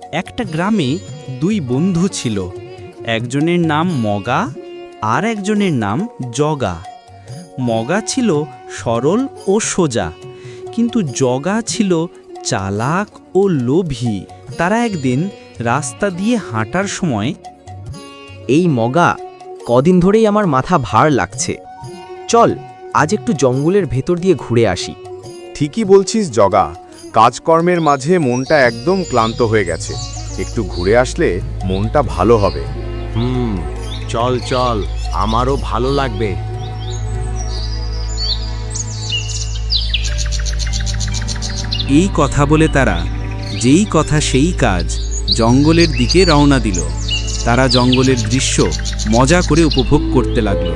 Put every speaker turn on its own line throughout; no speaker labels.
একটা গ্রামে দুই বন্ধু ছিল। একজনের নাম মগা আর একজনের নাম জগা। মগা ছিল সরল ও সোজা, কিন্তু জগা ছিল চালাক ও লোভী। তারা একদিন রাস্তা দিয়ে হাঁটার সময়
এই মগা, কদিন ধরেই আমার মাথা ভার লাগছে। চল আজ একটু জঙ্গলের ভেতর দিয়ে ঘুরে আসি।
ঠিকই বলছিস জগা, কাজকর্মের মাঝে মনটা একদম ক্লান্ত হয়ে গেছে। একটু ঘুরে আসলে মনটা ভালো হবে।
চল চল, আমারও ভালো লাগবে।
এই কথা বলে তারা যেই কথা সেই কাজ জঙ্গলের দিকে রওনা দিল। তারা জঙ্গলের দৃশ্য মজা করে উপভোগ করতে লাগল।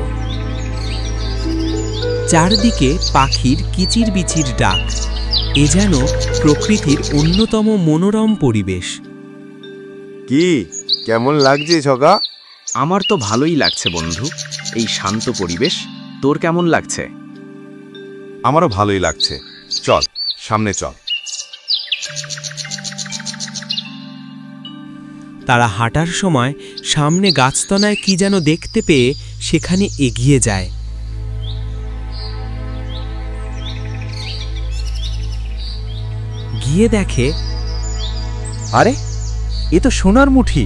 চারদিকে পাখির কিচিরবিচির ডাক, এ যেন প্রকৃতির অন্যতম মনোরম পরিবেশ।
কি কেমন লাগছে জগা?
আমার তো ভালোই লাগছে বন্ধু, এই শান্ত পরিবেশ। তোর কেমন লাগছে?
আমারও ভালোই লাগছে। চল সামনে চল।
তারা হাঁটার সময় সামনে গাছতলায় কি যেন দেখতে পেয়ে সেখানে এগিয়ে যায়। গিয়ে দেখে,
আরে, এ তো সোনার মুঠি।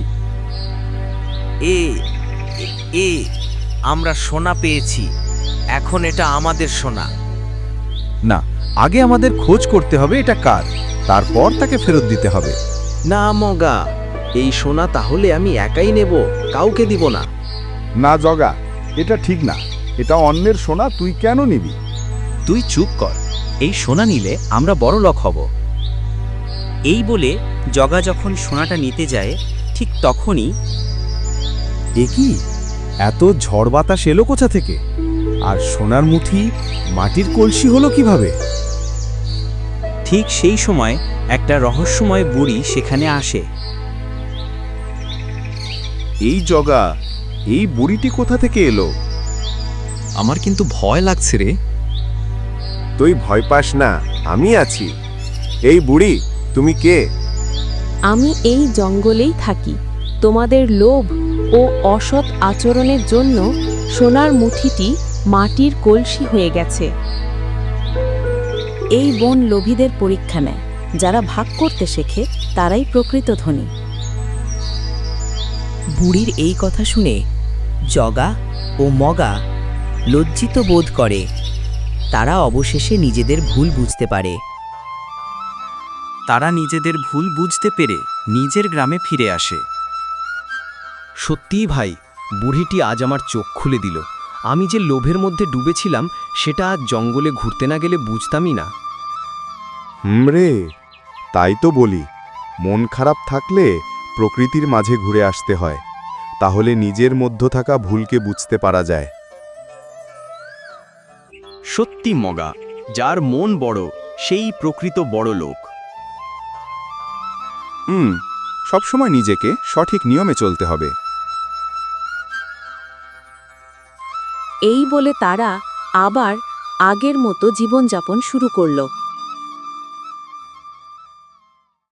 আমরা সোনা পেয়েছি, এখন এটা আমাদের সোনা।
না, আগে আমাদের খোঁজ করতে হবে এটা কার, তারপর তাকে ফেরত দিতে হবে।
না মগা, এই সোনা তাহলে আমি একাই নেব, কাউকে দিব না।
না জগা, এটা ঠিক না। এটা অন্যের সোনা, তুই কেন নিবি?
তুই চুপ কর, এই সোনা নিলে আমরা বড় লোক হব। এই বলে জগা যখন সোনাটা নিতে যায়, ঠিক তখনই
এ কি, এত ঝড় বাতাস এলো কোথা থেকে? আর সোনার মুঠি মাটির কলসি হলো কিভাবে?
ঠিক সেই সময় একটা রহস্যময় বুড়ি সেখানে আসে।
এই জগা, এই বুড়িটি কোথা থেকে এলো?
আমার কিন্তু ভয় লাগছে রে।
তুই ভয় পাস না, আমি আছি। এই বুড়ি, তুমি কে?
আমি এই জঙ্গলেই থাকি। তোমাদের লোভ ও অসৎ আচরণের জন্য সোনার মুঠিটি মাটির কলসি হয়ে গেছে। এই বন লোভীদের পরীক্ষা নেয়, যারা ভাগ করতে শেখে তারাই প্রকৃত ধনী।
বুড়ির এই কথা শুনে জগা ও মগা লজ্জিত বোধ করে। তারা অবশেষে নিজেদের ভুল বুঝতে পারে।
তারা নিজেদের ভুল বুঝতে পেরে নিজের গ্রামে ফিরে আসে।
সত্যিই ভাই, বুড়িটি আজ আমার চোখ খুলে দিল। আমি যে লোভের মধ্যে ডুবেছিলাম সেটা আজ জঙ্গলে ঘুরতে না গেলে বুঝতামই না।
রে, তাই তো বলি, মন খারাপ থাকলে প্রকৃতির মাঝে ঘুরে আসতে হয়, তাহলে নিজের মধ্যে থাকা ভুলকে বুঝতে পারা যায়।
সত্যি মগা, যার মন বড় সেই প্রকৃত বড় লোক।
সবসময় নিজেকে সঠিক নিয়মে চলতে হবে।
এই বলে তারা আবার আগের মতো জীবনযাপন শুরু করল।